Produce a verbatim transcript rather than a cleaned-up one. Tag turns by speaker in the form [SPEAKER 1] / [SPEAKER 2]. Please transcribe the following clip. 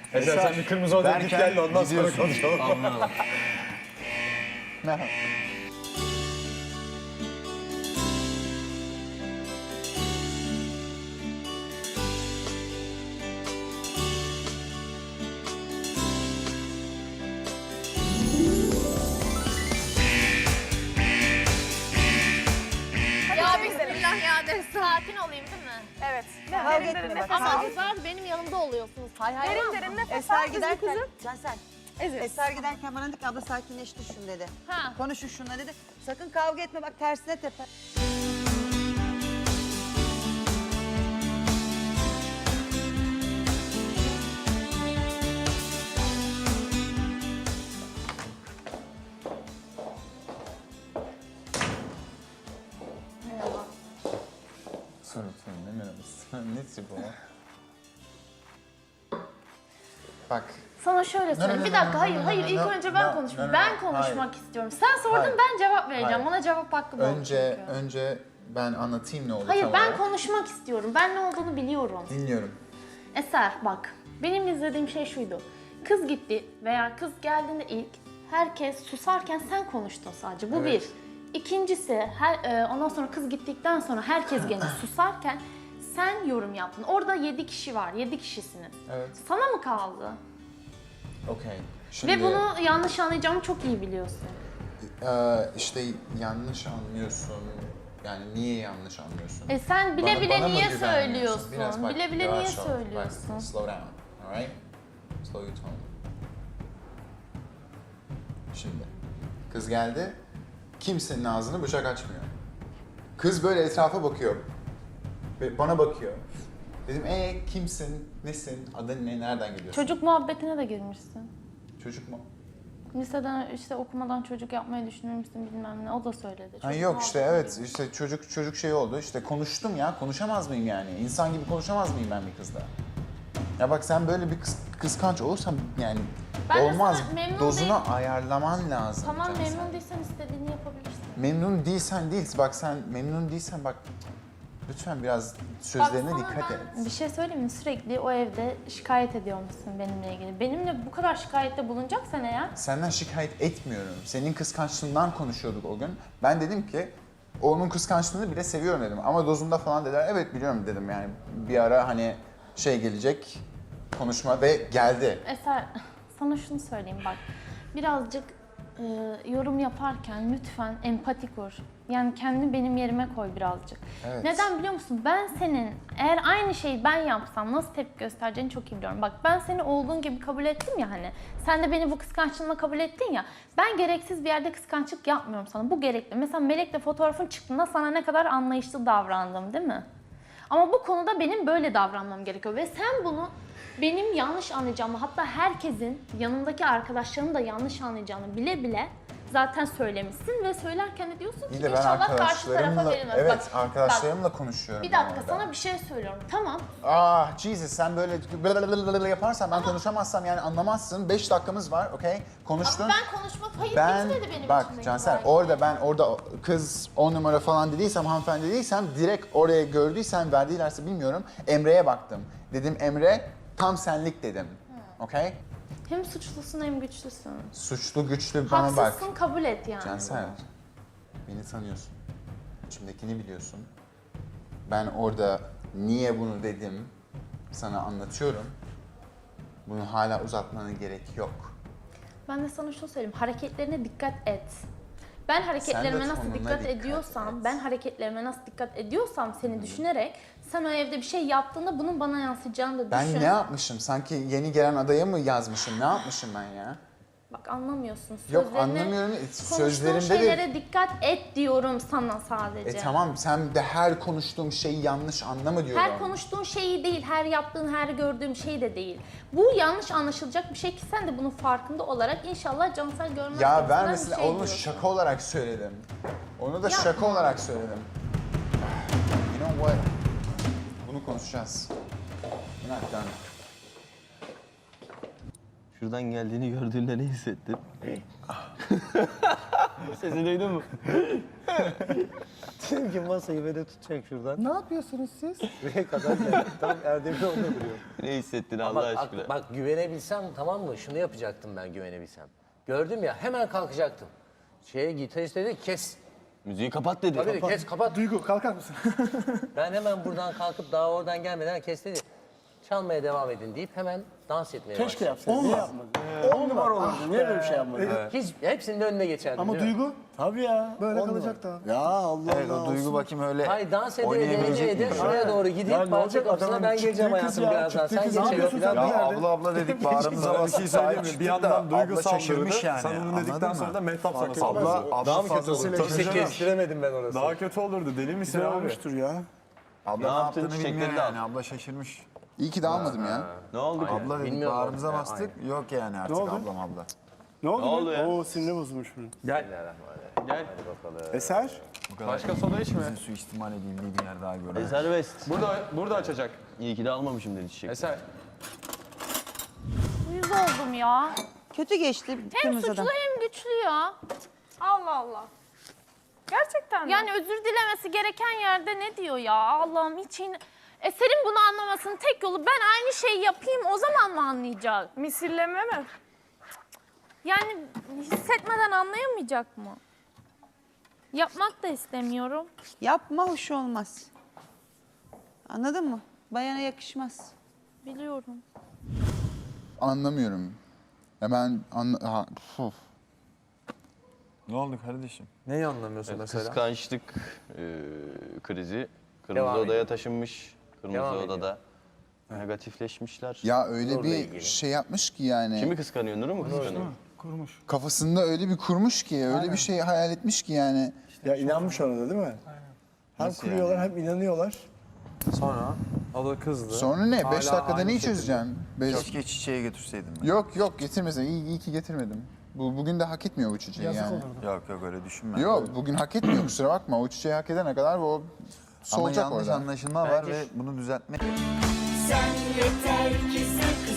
[SPEAKER 1] Eser sen bir kırmızı odaya git gel de ondan sonra konuşalım.
[SPEAKER 2] Anladım.
[SPEAKER 3] Merhaba.
[SPEAKER 4] Ya bismillah ya de sakin olayım değil mi?
[SPEAKER 5] Evet.
[SPEAKER 6] Kavga etme bak.
[SPEAKER 4] Ama kızlar benim yanımda oluyorsunuz. Hay hay.
[SPEAKER 5] Derin derin nefes
[SPEAKER 6] Eser
[SPEAKER 5] al kızım
[SPEAKER 6] giderken,
[SPEAKER 5] kızım.
[SPEAKER 6] Cansel.
[SPEAKER 5] Evet.
[SPEAKER 6] Eser giderken bana dedi ki abla sakinleş düşün dedi.
[SPEAKER 4] Ha.
[SPEAKER 6] Konuşun şunla dedi. Sakın kavga etme bak tersine tepe.
[SPEAKER 3] Sorun sorun ne merhabası? Ne tip o? Bak.
[SPEAKER 4] Sana şöyle söyleyeyim.
[SPEAKER 3] no,
[SPEAKER 4] Bir
[SPEAKER 3] no,
[SPEAKER 4] dakika
[SPEAKER 3] no,
[SPEAKER 4] hayır
[SPEAKER 3] no,
[SPEAKER 4] hayır
[SPEAKER 3] no,
[SPEAKER 4] ilk
[SPEAKER 3] no,
[SPEAKER 4] önce ben
[SPEAKER 3] no,
[SPEAKER 4] konuşayım.
[SPEAKER 3] no, no,
[SPEAKER 4] Ben
[SPEAKER 3] no.
[SPEAKER 4] konuşmak
[SPEAKER 3] Hayır.
[SPEAKER 4] istiyorum. Sen sordun
[SPEAKER 3] Hayır.
[SPEAKER 4] ben cevap vereceğim.
[SPEAKER 3] Hayır.
[SPEAKER 4] Bana cevap hakkım oldu
[SPEAKER 3] Önce
[SPEAKER 4] çünkü.
[SPEAKER 3] önce ben anlatayım ne oldu
[SPEAKER 4] Hayır
[SPEAKER 3] tam
[SPEAKER 4] ben
[SPEAKER 3] olarak.
[SPEAKER 4] konuşmak istiyorum. Ben ne olduğunu biliyorum.
[SPEAKER 3] Dinliyorum.
[SPEAKER 4] Eser bak benim izlediğim şey şuydu. Kız gitti veya kız geldiğinde ilk herkes susarken sen konuştun sadece. Bu
[SPEAKER 3] Evet.
[SPEAKER 4] bir. İkincisi her, e, ondan sonra kız gittikten sonra herkes gene susarken sen yorum yaptın. Orada yedi kişi var. Yedi kişisiniz.
[SPEAKER 3] Evet.
[SPEAKER 4] Sana mı kaldı?
[SPEAKER 3] Okey. Şimdi
[SPEAKER 4] Ve bunu yanlış anlayacağımı çok iyi biliyorsun.
[SPEAKER 3] e, işte yanlış anlıyorsun. Yani niye yanlış anlıyorsun?
[SPEAKER 4] E sen bile
[SPEAKER 3] Bana-
[SPEAKER 4] bile
[SPEAKER 3] bana mı
[SPEAKER 4] niye
[SPEAKER 3] güvenmiyorsun?
[SPEAKER 4] söylüyorsun?
[SPEAKER 3] Biraz bak,
[SPEAKER 4] bile bile
[SPEAKER 3] yavaş
[SPEAKER 4] niye
[SPEAKER 3] ol.
[SPEAKER 4] söylüyorsun?
[SPEAKER 3] Bak, slow down. Alright? Slow your tone. Şimdi. Kız geldi. Kimsenin ağzını bıçak açmıyor. Kız böyle etrafa bakıyor. Ve bana bakıyor. Dedim ee kimsin, nesin, adın ne, nereden geliyorsun?
[SPEAKER 4] Çocuk muhabbetine de girmişsin.
[SPEAKER 3] Çocuk mu?
[SPEAKER 4] Liseden işte okumadan çocuk yapmayı düşünür müsün bilmem ne. O da söyledi.
[SPEAKER 3] Ha,
[SPEAKER 4] Çocuk
[SPEAKER 3] yok işte
[SPEAKER 4] muhabbetine
[SPEAKER 3] evet
[SPEAKER 4] girmiş.
[SPEAKER 3] işte çocuk çocuk şey oldu işte konuştum ya konuşamaz mıyım yani insan gibi konuşamaz mıyım ben bir kızla? Ya bak sen böyle bir kıs, kıskanç olursan yani
[SPEAKER 4] Ben de
[SPEAKER 3] olmaz
[SPEAKER 4] sana memnun
[SPEAKER 3] dozunu
[SPEAKER 4] değil-
[SPEAKER 3] ayarlaman lazım.
[SPEAKER 4] Tamam
[SPEAKER 3] Cansel.
[SPEAKER 4] memnun değilsen istediğini yapabilirsin.
[SPEAKER 3] Memnun değilsen değil bak sen memnun değilsen bak lütfen biraz sözlerine
[SPEAKER 4] Bak
[SPEAKER 3] dikkat
[SPEAKER 4] sana
[SPEAKER 3] et.
[SPEAKER 4] ben bir şey söyleyeyim mi? Sürekli o evde şikayet ediyormuşsun benimle ilgili. Benimle bu kadar şikayette bulunacaksan eğer
[SPEAKER 3] Senden şikayet etmiyorum. Senin kıskançlığından konuşuyorduk o gün. Ben dedim ki onun kıskançlığını bile seviyorum dedim. Ama dozunda falan dediler. Evet biliyorum dedim yani. Bir ara hani şey gelecek konuşma ve geldi.
[SPEAKER 4] Eser sana şunu söyleyeyim bak. Birazcık e, yorum yaparken lütfen empati kur. Yani kendini benim yerime koy birazcık.
[SPEAKER 3] Evet.
[SPEAKER 4] Neden biliyor musun? Ben senin eğer aynı şeyi ben yapsam nasıl tepki göstereceğini çok iyi biliyorum. Bak ben seni olduğun gibi kabul ettim ya hani. Sen de beni bu kıskançlığına kabul ettin ya. Ben gereksiz bir yerde kıskançlık yapmıyorum sana. Bu gerekli. Mesela Melek'le fotoğrafın çıktığında sana ne kadar anlayışlı davrandım değil mi? Ama bu konuda benim böyle davranmam gerekiyor ve sen bunu benim yanlış anlayacağımı hatta herkesin yanımdaki arkadaşlarım da yanlış anlayacağını bile bile zaten söylemişsin ve söylerken de diyorsun ki
[SPEAKER 3] İyi de ben
[SPEAKER 4] inşallah karşı tarafa
[SPEAKER 3] arkadaşlarımla,
[SPEAKER 4] verilmez.
[SPEAKER 3] evet
[SPEAKER 4] Bak,
[SPEAKER 3] arkadaşlarımla
[SPEAKER 4] bak,
[SPEAKER 3] konuşuyorum.
[SPEAKER 4] bir
[SPEAKER 3] ben
[SPEAKER 4] dakika
[SPEAKER 3] orada.
[SPEAKER 4] sana bir şey söylüyorum. Tamam.
[SPEAKER 3] Ah Jesus sen böyle blablabla yaparsan ben konuşamazsam yani anlamazsın. Beş dakikamız var okey? Konuştun.
[SPEAKER 4] Ama ben konuşmak hayır
[SPEAKER 3] Ben,
[SPEAKER 4] bitmedi benim
[SPEAKER 3] bak
[SPEAKER 4] içimdeki
[SPEAKER 3] Cansel
[SPEAKER 4] belki.
[SPEAKER 3] orada ben orada kız on numara falan dediysem hanımefendi dediysem direkt oraya gördüysem verdilerse bilmiyorum Emre'ye baktım. Dedim Emre tam senlik dedim. Okey?
[SPEAKER 4] Hem suçlusun hem güçlüsün.
[SPEAKER 3] Suçlu güçlü bana bak.
[SPEAKER 4] Haksızsın kabul et yani.
[SPEAKER 3] Cansel beni tanıyorsun. İçimdekini biliyorsun. Ben orada niye bunu dedim sana anlatıyorum. Bunu hala uzatmana gerek yok.
[SPEAKER 4] Ben de sana şunu söyleyeyim. Hareketlerine dikkat et. Ben hareketlerime nasıl
[SPEAKER 3] tonuna
[SPEAKER 4] dikkat,
[SPEAKER 3] dikkat
[SPEAKER 4] ediyorsam,
[SPEAKER 3] et.
[SPEAKER 4] ben hareketlerime nasıl dikkat ediyorsam seni düşünerek sen o evde bir şey yaptığında bunun bana yansıyacağını da
[SPEAKER 3] Ben
[SPEAKER 4] düşün.
[SPEAKER 3] ne yapmışım? Sanki yeni gelen adaya mı yazmışım? Ne yapmışım ben ya?
[SPEAKER 4] Bak anlamıyorsun.
[SPEAKER 3] Yok,
[SPEAKER 4] Sözlerine-
[SPEAKER 3] anlamıyorum.
[SPEAKER 4] Konuştuğun
[SPEAKER 3] Sözlerimde de-
[SPEAKER 4] şeylere dikkat et diyorum sana sadece.
[SPEAKER 3] E tamam sen de her konuştuğum şeyi yanlış anlama diyorum.
[SPEAKER 4] Her konuştuğun şeyi değil, her yaptığın, her gördüğüm şey de değil. Bu yanlış anlaşılacak bir şey ki sen de bunun farkında olarak inşallah Cansel görmez.
[SPEAKER 3] Ya
[SPEAKER 4] gibisinden
[SPEAKER 3] ben
[SPEAKER 4] bir
[SPEAKER 3] mesela
[SPEAKER 4] şey
[SPEAKER 3] onu
[SPEAKER 4] diyorsun.
[SPEAKER 3] şaka olarak söyledim. Onu da
[SPEAKER 4] Yapma.
[SPEAKER 3] şaka olarak söyledim. You know what? Bunu konuşacağız. We're not done.
[SPEAKER 2] Şuradan geldiğini gördüğünde ne hissettin?
[SPEAKER 1] Sesi duydun mu? Dedim ki masayı böyle tutacak şuradan.
[SPEAKER 2] Ne yapıyorsunuz siz?
[SPEAKER 1] Buraya kadar geldi. Tam Erdem'in orada duruyor.
[SPEAKER 5] Ne hissettin Allah
[SPEAKER 2] Bak,
[SPEAKER 5] aşkına?
[SPEAKER 2] bak, bak güvenebilsem tamam mı? Şunu yapacaktım ben güvenebilsem. Gördüm ya hemen kalkacaktım. Şeye gitarist dedi ki, kes.
[SPEAKER 5] Müziği kapat dedi.
[SPEAKER 2] Tabii dedi, kes kapat.
[SPEAKER 7] Duygu kalkar mısın?
[SPEAKER 2] Ben hemen buradan kalkıp daha oradan gelmeden kes dedi. Çalmaya devam edin deyip hemen dans etmeye
[SPEAKER 7] Keşke
[SPEAKER 2] başladım.
[SPEAKER 7] yapsaydın. Niye yapmadın? On numara olurdu. Niye böyle bir şey yapmadın?
[SPEAKER 2] Hiç, hepsinin önüne geçerdim.
[SPEAKER 7] Ama
[SPEAKER 2] değil mi?
[SPEAKER 7] Duygu
[SPEAKER 1] Tabii ya.
[SPEAKER 7] böyle
[SPEAKER 1] on
[SPEAKER 7] kalacak da. Ya Allah
[SPEAKER 3] Evet
[SPEAKER 7] Allah.
[SPEAKER 3] o Duygu bakayım öyle
[SPEAKER 2] Hayır dans ede ede
[SPEAKER 3] oynayabilecek
[SPEAKER 2] ede ede
[SPEAKER 3] mi?
[SPEAKER 2] şuraya doğru gidip
[SPEAKER 1] Ya ne
[SPEAKER 2] bahçe
[SPEAKER 1] olacak
[SPEAKER 2] kapısına
[SPEAKER 1] adamın
[SPEAKER 2] ben geleceğim
[SPEAKER 7] çıktığı kız
[SPEAKER 2] hayatım
[SPEAKER 7] ya,
[SPEAKER 2] birazdan.
[SPEAKER 7] çıktığı
[SPEAKER 2] Sen
[SPEAKER 7] kız. Ne
[SPEAKER 2] geçelim
[SPEAKER 7] yapıyorsun
[SPEAKER 2] falan.
[SPEAKER 7] sen?
[SPEAKER 3] Ya
[SPEAKER 7] Nerede?
[SPEAKER 3] abla abla dedik bağrımıza
[SPEAKER 1] Sana bir
[SPEAKER 3] bastık.
[SPEAKER 1] şey söyleyeyim mi? Bir yandan Duygu saldırdı.
[SPEAKER 3] şaşırmış yani.
[SPEAKER 1] Sen onu dedikten
[SPEAKER 3] Anladın
[SPEAKER 1] sonra
[SPEAKER 3] mı?
[SPEAKER 1] da Mehtap sana
[SPEAKER 3] Abla,
[SPEAKER 1] saldırdı.
[SPEAKER 3] abla
[SPEAKER 1] Daha mı kötü
[SPEAKER 3] fazlasıyla
[SPEAKER 1] olurdu? Tabii
[SPEAKER 3] şaşırmış.
[SPEAKER 1] kestiremedim ben orası. Daha kötü olurdu. Deli misin
[SPEAKER 7] Güzel
[SPEAKER 1] abi?
[SPEAKER 7] olmuştur ya.
[SPEAKER 3] Abla
[SPEAKER 5] Ne
[SPEAKER 3] ne
[SPEAKER 5] yaptın?
[SPEAKER 3] yaptığını
[SPEAKER 5] Çiçekleri
[SPEAKER 3] bilmiyor
[SPEAKER 5] de al.
[SPEAKER 3] yani. Abla şaşırmış. İyi ki de almadım ya.
[SPEAKER 5] Ne oldu ki?
[SPEAKER 3] Abla dedik
[SPEAKER 2] Bilmiyorum
[SPEAKER 3] bağrımıza
[SPEAKER 2] ben.
[SPEAKER 3] bastık. Yok yani artık
[SPEAKER 7] oldu?
[SPEAKER 3] ablam abla.
[SPEAKER 7] Ne oldu?
[SPEAKER 5] Ne oldu ya?
[SPEAKER 7] Oo sinirli bozulmuş bunun.
[SPEAKER 1] Gel. Gel.
[SPEAKER 7] Eser.
[SPEAKER 1] Başka soda içme.
[SPEAKER 3] Bizim suistimal edildiği bir yer daha görmedim.
[SPEAKER 5] Eser West.
[SPEAKER 1] Burada burada açacak.
[SPEAKER 5] İyi ki de almamışım dedi çiçek.
[SPEAKER 1] Eser.
[SPEAKER 4] Uyuz oldum ya.
[SPEAKER 6] Kötü geçti
[SPEAKER 4] Hem
[SPEAKER 6] kırmızı
[SPEAKER 4] suçlu
[SPEAKER 6] adam.
[SPEAKER 4] hem güçlü ya. Allah Allah.
[SPEAKER 8] Gerçekten mi?
[SPEAKER 4] Yani özür dilemesi gereken yerde ne diyor ya? Allah'ım hiç in... Eser'in bunu anlamasının tek yolu ben aynı şeyi yapayım o zaman mı anlayacak?
[SPEAKER 8] Misilleme mi?
[SPEAKER 4] Yani hissetmeden anlayamayacak mı? Yapmak da istemiyorum.
[SPEAKER 6] Yapma hoş olmaz. Anladın mı? Bayana yakışmaz.
[SPEAKER 4] Biliyorum.
[SPEAKER 3] Anlamıyorum. Ya ben anla... Ha, puf.
[SPEAKER 1] Ne oldu kardeşim? Neyi anlamıyorsun mesela?
[SPEAKER 5] Kıskançlık e, krizi. Kırmızı
[SPEAKER 2] Devam
[SPEAKER 5] odaya
[SPEAKER 2] ediyor.
[SPEAKER 5] taşınmış. Kırmızı
[SPEAKER 2] Devam
[SPEAKER 5] odada negatifleşmişler.
[SPEAKER 3] Ya öyle
[SPEAKER 2] Nur'la
[SPEAKER 3] bir
[SPEAKER 2] ilgili.
[SPEAKER 3] şey yapmış ki yani.
[SPEAKER 5] Kimi kıskanıyor? Nur'u mu kıskanıyor?
[SPEAKER 7] Kurmuş.
[SPEAKER 3] Kafasında öyle bir kurmuş ki, öyle bir şey hayal etmiş ki yani.
[SPEAKER 7] Ya inanmış ona da değil mi? Hem
[SPEAKER 3] Nasıl
[SPEAKER 7] kuruyorlar
[SPEAKER 3] yani?
[SPEAKER 7] hem inanıyorlar.
[SPEAKER 1] Sonra o da kızdı.
[SPEAKER 3] Sonra ne? Beş
[SPEAKER 1] Hala
[SPEAKER 3] dakikada
[SPEAKER 1] aynı
[SPEAKER 3] neyi
[SPEAKER 1] şekilde.
[SPEAKER 3] çözeceğim? Beş...
[SPEAKER 9] Keşke çiçeği götürseydim ben.
[SPEAKER 3] Yok yok getirmesin. İyi, iyi ki getirmedim. Bu, bugün de hak etmiyor bu çiçeği
[SPEAKER 7] Yazık
[SPEAKER 3] yani.
[SPEAKER 7] olurdu.
[SPEAKER 9] Yok yok öyle düşünme.
[SPEAKER 3] Yok bugün hak etmiyor kusura bakma. O çiçeği hak edene kadar o
[SPEAKER 9] Ama
[SPEAKER 3] solacak
[SPEAKER 9] yanlış
[SPEAKER 3] orada.
[SPEAKER 9] anlaşılma var ve bunu düzeltmek
[SPEAKER 10] Sen yeter ki sakın